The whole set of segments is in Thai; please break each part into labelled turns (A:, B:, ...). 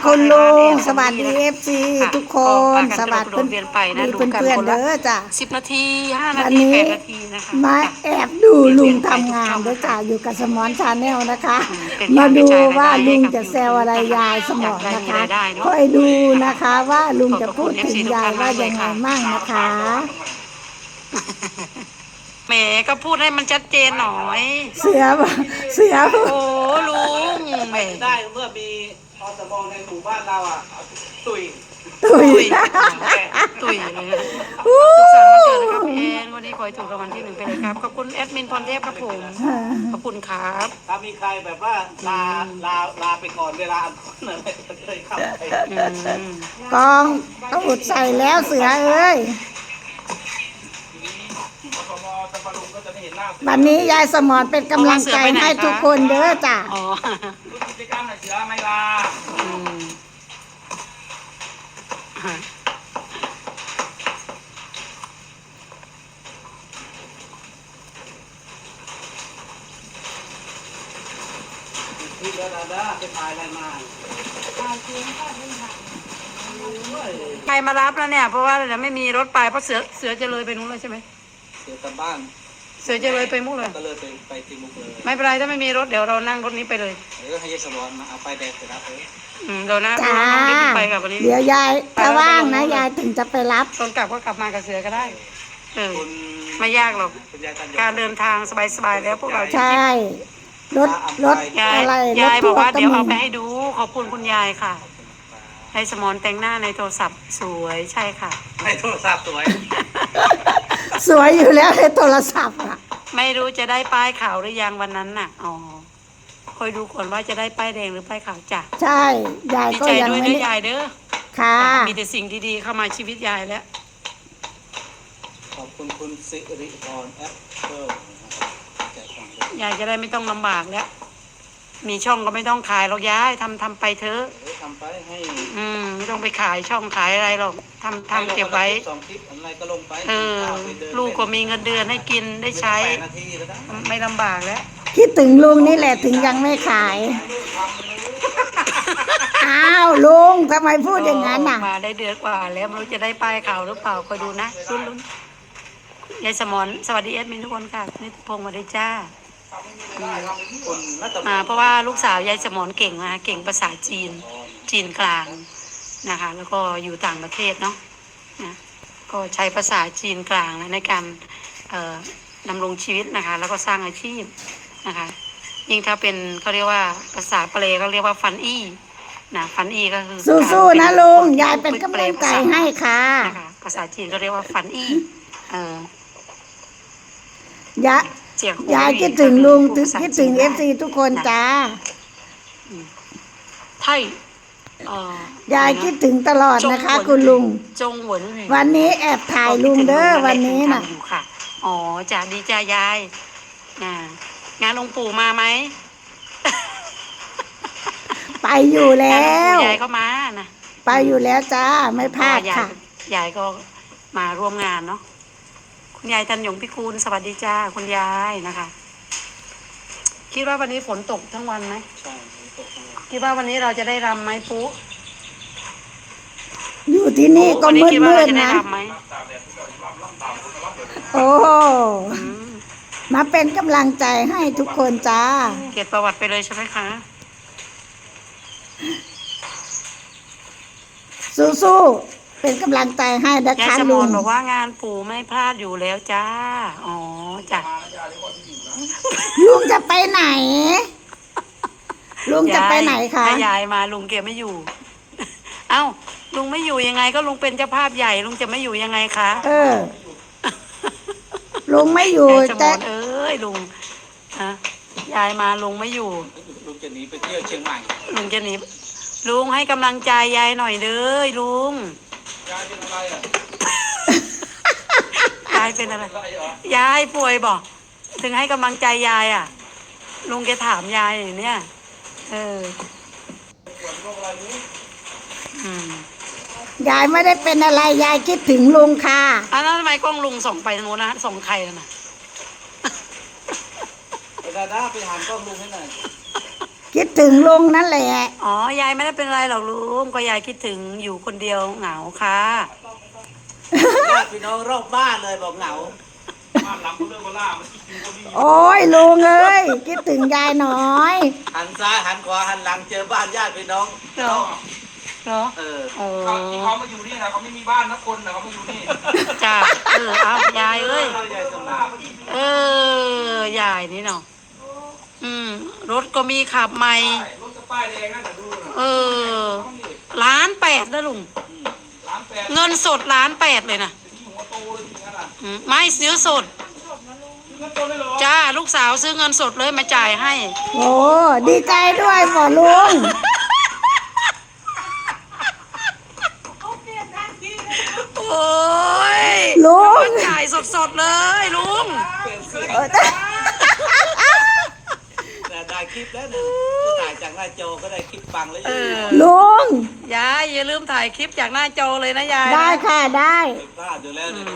A: คุณลุงสวัสดี
B: นะ
A: FC
B: ค่ะ
A: ทุกค
B: ก็
A: น
B: พา
A: ส
B: กัน
A: วัส
B: กระโดดเรียนไปนะ
A: ดี
B: ดูกัน
A: เพื่อน
B: คน
A: ๆ
B: ละ
A: เด้อจ้ะ
B: 10 นาที5 นา
A: วัน
B: ที
A: นี้
B: 8 นาทีนะคะ
A: มา
B: จ้ะ
A: แอบดูลุง
B: เปลี่ยนไป
A: ทำงาน
B: ทุกช่อง
A: ด้วยจ้ะอยู่กับสมอนชาแนลนะคะ
B: เป็น
A: มา
B: การก
A: ดู
B: ระจายราย
A: ว่า
B: ได้
A: ลุ
B: ให้
A: ง
B: กับ
A: จะ
B: ยู
A: แซ
B: ทู
A: ว
B: บ
A: อะไร
B: นะคะ
A: ยายสม
B: อยา
A: อก น
B: ได้
A: นะ
B: มี
A: คะ
B: รายได้เนาะ
A: คอยดูนะคะว่าลุงจะพูดถึงยายว่ายังไงมั่งนะคะ
B: แหมก็พูดให้มันชัดเจนหน่อย
A: เสือบอกเสือ
B: โอ้ลุงแหม
C: ได้เมื่อมีอสมในหมู่บ้านเราอ่ะตุย
A: ตุย
B: ตุยตุยเลยนะสุขสันต์วันเกิดนะครับพี่แอนวันนี้ขอให้ถูกรางวัลที่ 1ไปเลยครับขอบคุณแอดมินพรเทพครับผมขอบคุณครับ
C: ถ้ามีใครแบบว่าลาไปก่อนเวลาอันคนอะไรก็เลยเข้าไป
B: อืม
A: กองตูดใส่แล้วเสือเอ้ย
C: อสมตะปะลุงก็จะไม่เห็นหน้า
A: วันนี้ยายสมอนเป็นกำลังใจให้ทุกคนเด้อจ้ะ
B: อ๋อ
C: คุณกิจกรรมไหนเสือไม่ลา
B: อืม
C: ที่เดินได้ไปถ่ายอะไรมา
B: ใครมารับแล้วเนี่ยเพราะว่าเดี๋ยวไม่มีรถไปเพราะเสือจะเลยไปนู้นเลยใช่ไหม
C: เสือกลับบ้าน
B: เสือจะเลยไปมุกเลย
C: ก็เลยไปที่มุกเลย
B: ไม่เป็นไรถ้าไม่มีรถเดี๋ยวเรานั่งรถนี้ไปเลย
C: ให้ยายสมรมาเอาไปแดกไปรับเลย
B: เดี๋ยวนะ
A: จ้า
B: น้องดิ๊กไปกับวันนี้
A: เดี๋ยวยายถ้าว่างนะยายถึงจะไปรับ
B: ตอนกลับก็กลับมากับเสือก็ได้เออ
C: คุณ
B: ไม่ยากหรอก
C: คุณยายตัน
B: การเดินทางสบายๆแล้วพวกเรา
A: ใช่รถรถ
B: ยาย
A: อะไรร
B: ยา
A: ถ
B: ยบ
A: ทั
B: อก
A: ว
B: ว่า
A: ร์ก็
B: เดี๋ยว
A: มี
B: เอาไปให้ดูขอบคุณคุณยายค่ะให้สมอนแต่งหน้าในโทรศัพท์สวยใช่ค่ะ
C: ให้โทรศัพท์สวย
A: สวยอยู่แล้วในโทรศัพท์อ่ะ
B: ไม่รู้จะได้ป้ายขาวหรือยังวันนั้นน่ะอ๋อคอยดูก่อนว่าจะได้ป้ายแดงหรือป้ายขาวจ้ะ
A: ใช่ยาย
B: ดี
A: ก็
B: ใจ
A: ยัง
B: ด้วย
A: ไม่
B: นะ
A: ได้
B: ยายเด้อ
A: ค่ะ
B: มีแต่สิ่งดีๆเข้ามาชีวิตยายแล้ว
C: ขอบคุณคุณสิริพรแอปเปิลแจกของ
B: ยายจะได้ไม่ต้องลำบากแล้ว มีช่องก็ไม่ต้องขายหรอกยายทำไปเถอะ
C: ทำไปให้
B: ไม่ต้องไปขายช่องขายอะไรหรอกทำเก็บไว้
C: สองคลิปอะไรก็ลงไป
B: ลูกก็มีเงินเดือนให้กินได้ใช้
C: 8 นาทีแล้วนะ
B: ไม่ลำบากแล้ว
A: คิดถึงลุงนี่แหละถึงยังไม่ขาย อ้าวลุงทำไมพูดอย่างนั้นน่ะ
B: มาได้เดือนกว่าแล้วไม่รู้จะได้ป้ายข่าวหรือเปล่าคอยดูนะลุ้นยายสมรสวัสดีเอดมินทุกคนค่ะนิติพงศ์มาได้จ้า
C: คุณนัต
B: เพราะว่าลูกสาวยายสมรเก่งนะเก่งภาษาจีนกลางนะคะ แล้วก็อยู่ต่างประเทศเนาะนะก็ใช้ภาษาจีนกลางนะในการดำรงชีวิตนะคะ แล้วก็สร้างอาชีพนะคะยิ่งถ้าเป็นเขาเรียกว่าภาษาเปรเขาเรียกว่าฟันอี้นะฟันอี้ก็คือ
A: สู้ๆนะลุงยายเป็นกำลังใจให้ค่ะ
B: นะคะภาษาจีนก็เรียกว่าฟันอี้เออย
A: ะ
B: เจียงหู
A: ยายคิดถึงลุง
B: พูดภาษา
A: คิดถึง
B: จีน
A: เอ
B: ได้
A: ฟซีทุกคนจ้า
B: ไทย
A: ยายคิดถึงตลอดนะคะ คุณลุง
B: จงหวนหวี
A: วันนี้แอบถ่ายลุงเด้อวันนี้น่ะ
B: ทำอยู่ค่ะอ๋อจ้าดีจ้ายายงานองค์ปู่มาไหม
A: ไปอยู่แล้
B: งานองค์
A: ว
B: ปู่ยายก็มานะ
A: ไปอยู่แล้วจ้าไม่พลาดค่ะ
B: ยายก็มาร่วมงานเนาะคุณยายทันยงพิคูลสวัสดีจ้าคุณยายนะคะ คิดว่าวันนี้ฝนตกทั้งวันไหม
C: ใช่ตก
B: คิดว่าวันนี้เราจะได้รำไหมปุ๊
A: อยู่ที่นี่ก็
B: วันนี้
A: มืด
B: คิดว่า
A: มื
B: เรา
A: ด
B: จะได้
A: นะ
B: รำไหม
A: โอ้
B: อืม
A: มาเป็นกำลังใจให้ทุกคนจ้า
B: เก็บประวัติไปเลยใช่ไหมคะ
A: สู้ๆเป็นกำลังใจให้นะ
B: ยาย
A: คะ
B: สม
A: ลุ
B: รง บอกว่างานปู่ไม่พลาดอยู่แล้วจ้าอ๋อจ้ะ
A: ลุงจะไปไหน ลุงจะไปไหนคะ
B: ถ้ายายมาลุงเกียไม่อยู่ เอ้าลุงไม่อยู่ยังไงก็ลุงเป็นเจ้าภาพใหญ่ลุงจะไม่อยู่ยังไงคะ
A: เออ ลุงไม่อยู่
B: ยายสม
A: แต่
B: รเอ้ยลุงฮะยายมาลุงไม่อยู่
C: ลุงจะหนีไปเที่ยวเชียงใหม่
B: ลุงจะหนีลุงให้กำลังใจยายหน่อยเด้อลุง
C: ยายเป็นอะไรอ่ะ
B: ยายเป็นอะไร
C: อะไรเหรอย
B: ายป่วยบอกถึงให้กำลังใจยายอ่ะ ลุงแกถามยายอย่างเนี้ยเออ
C: ปวดโรคอะไรนี้
B: อืม
A: ยายไม่ได้เป็นอะไรยายคิดถึงลุงค่ะ
B: แล้วทำไมกล้องลุงส่งไปทางโน้นนะส่งใครนะ
C: ไปดาด้าไปถามกล้องลุงให้หน่อย
A: คิดถึงลุงนั่นแหละ
B: อ๋อยายไม่ได้เป็นไรหรอกลุงก็ยายคิดถึงอยู่คนเดียวเหงาค่ะ
C: ญาติพี่น้องรอบบ้านเลยบอกเหงา
A: โอ้ยลุงเอ้ยคิดถึงยายหน่อย
C: หันซ้ายหันขวาหันหลังเจอบ้านญาติพี่น้อง
B: เหรอเหรอ
C: เออ
B: โอ้
D: ที่เขามาอยู่นี่นะเขาไม่มีบ้านนะคนนะเขามาอยู่นี่
B: จ้าเอายายเอ้ย
C: ยายสมาน
B: ยายนี่เนาะรถก็มีขับใหม่
D: รถจะป้ายแดงนั่นแต่ดูนะ
B: 1,800,000นะลุง
D: 1,800,000
B: เงินสด1,800,000เลยนะ
D: ที่หัวโตเลยทีนั้นอ่ะ
B: ไม่ซื้อสด
D: เงินโตเลยเหรอ
B: จ้าลูกสาวซื้อเงินสดเลยมาจ่ายให้
A: โอ้ดีใจด้วยพ่อลุง
B: โอ้ย
A: ลุง
B: มาจ่ายสดๆเลยลุง
A: เออ
C: แต่ได้คลิปแล้วนะจะถ่ายจากหน้าจอก็ได้คลิปฟังแล้วยัง
A: ลุง
B: ยายอย่าลืมถ่ายคลิปจากหน้าจอเลยนะยายนะ
A: ได้ค่ะได้
C: พลาดอยู่แล้วเนี่ย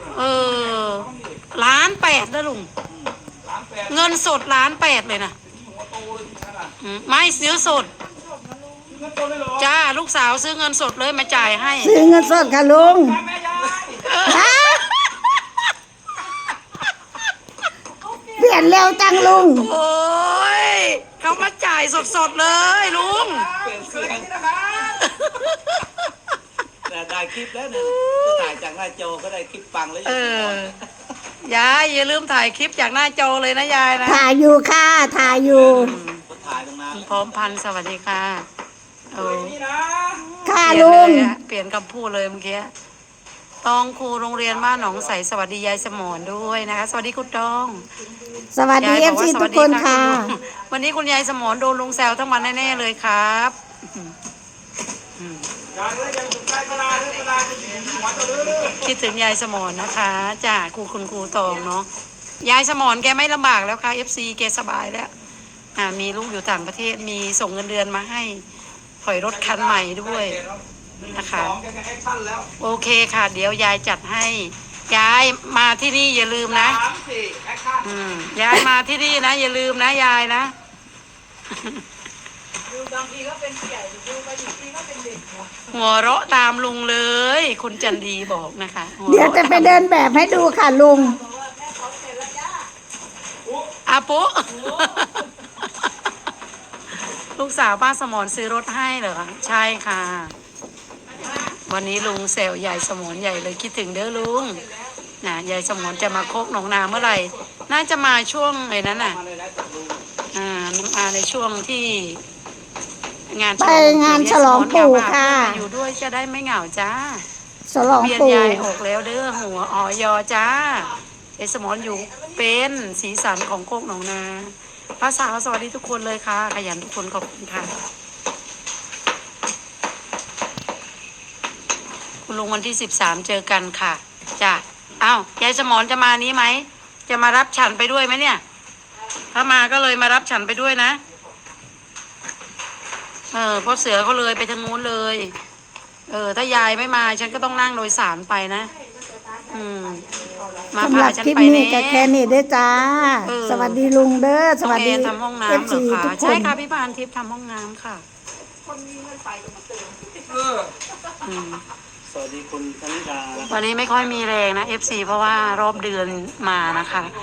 B: 1,800,000นะลุง
D: 1,800,000
B: เงินสด1,800,000เลยนะ
D: ที่หัวโตเลยทีนั้นอ่ะ
B: ไม่ซื้อสด
D: เงินโตเลยเหรอ
B: จ้าลูกสาวซื้อเงินสดเลยมาจ่ายให้
A: ซื้อเงินสดค่ะลุง
D: แม่ยาย
A: ฮะเปลี่ยนเร็วจังลุง
B: โอ้ยเขามาจ่ายสดๆเลยลุง
C: เปลี่ยน
D: เค
C: เสี
D: ย
C: ยง
D: นี่นะคะ
C: แต่ได้คลิปแล้วเนี่ยจะถ่ายจากหน้าจอก็ได้คลิปฟังแล้วยัง
B: ยายอย่าลืมถ่ายคลิปจากหน้าจอเลยนะยายนะ
A: ถ่ายอยู่ค่ะถ่ายอยู่
C: ก็ถ่ายตรงนั้น
B: พร้อมพันธุ์สวัสดีค่ะ
D: เคยนี่นะ
A: ค่ะ
B: เปลี่ยน
A: ลุง
B: เลยอะเปลี่ยนคำพูดเลยเมื่อกี้ตองครูโรงเรียนบ้านหนองใสสวัสดียายสมรด้วยนะคะ สวัสดีคุณตอง
A: สวัสดี
B: ยาย
A: เอบ
B: ก
A: ซี
B: ว่า
A: ทุกคนค่ะ
B: ณลุงวันนี้คุณยายสมรโดนลุงแซวทั้งวันแน่ๆเลยครับ
D: ยายเลยยังอยู่ใกล้กระดาษเลยกระดาษจะอยู่หัวโตเลย
B: คิดถึงยายสมรนะคะจ้าคุณครูตองเนาะยายสมรแกไม่ลำบากแล้วค่ะ FC แกสบายแล้วมีลูกอยู่ต่างประเทศมีส่งเงินเดือนมาให้ถอยรถคันใหม่ด้วยนะคะ
D: 2แกแอคชั่นแล้ว
B: โอเคค่ะ เดี๋ยวยายจัดให้ยายมาที่นี่อย่าลืมนะ
D: 3 4แอคชั่น
B: ยายมาที่นี่นะอย่าลืมนะยายนะ
D: ดูบางทีก็เป็นผู้ใหญ่ดูบางทีก็เป็นเด็ก
B: หัวเราะตามลุงเลย คุณจันดีบอกนะคะหั
A: เดี๋ยว
B: รา
A: จะไปเดินแบบให้ดูค่ะลุง
B: อาปุ๊ ลูกสาวป้าสมรซื้อรถให้เหรอคะใช่ค่ะ วันนี้ลุงแซวยายสมรใหญ่เลยคิดถึงเด้อลุงนะยายสมรจะมาโคกหนองนาเมื่อไหร่น่าจะมาช่วงไอ้นั้นน่ะ
C: มาเลยนะจากลุง
B: มาในช่วงที่งาน
A: ไปงานฉลองปู่ค่ะ
B: อยู่ด้วยจะได้ไม่เหงาจ้า
A: ฉลอง
B: เบียน
A: ปู่
B: ยายออกแล้วเด้อหัวออยอจ้ายายสมรอยู่เป็นสีสันของโคกหนองนาภาษาสวัสดีทุกคนเลยค่ะขยันทุกคนขอบคุณค่ะคุณลุงวันที่13เจอกันค่ะจ้ะอ้าวยายสมรจะมานี้ไหมจะมารับฉันไปด้วยไหมเนี่ย ถ้ามาก็เลยมารับฉันไปด้วยนะเพราะเสือเขาเลยไปทางนู้นเลย ถ้ายายไม่มาฉันก็ต้องนั่งโดยสารไปนะมา
A: สำห
B: พา
A: รับ
B: ฉัน
A: คลิป
B: ไป
A: นี้
B: แน่
A: ก็แค่นี้เด้อจ้า สวัสดีลุงเด้อส
B: น้อง
A: วัส
B: แอ
A: ดี
B: นทำห้องน้ำ
A: เอฟ
B: เหร
A: ซี
B: อ
A: ทุ
B: คะ
A: กค
B: ใช่
A: น
B: ค่ะพี่ปานทิพย์ทำห้องน้ำค่ะ อืม
C: สวัสดีคุณธนิดานะครับ
B: วันนี้ไม่ค่อยมีแรงนะ FC เพราะว่ารอบเดือนมานะคะ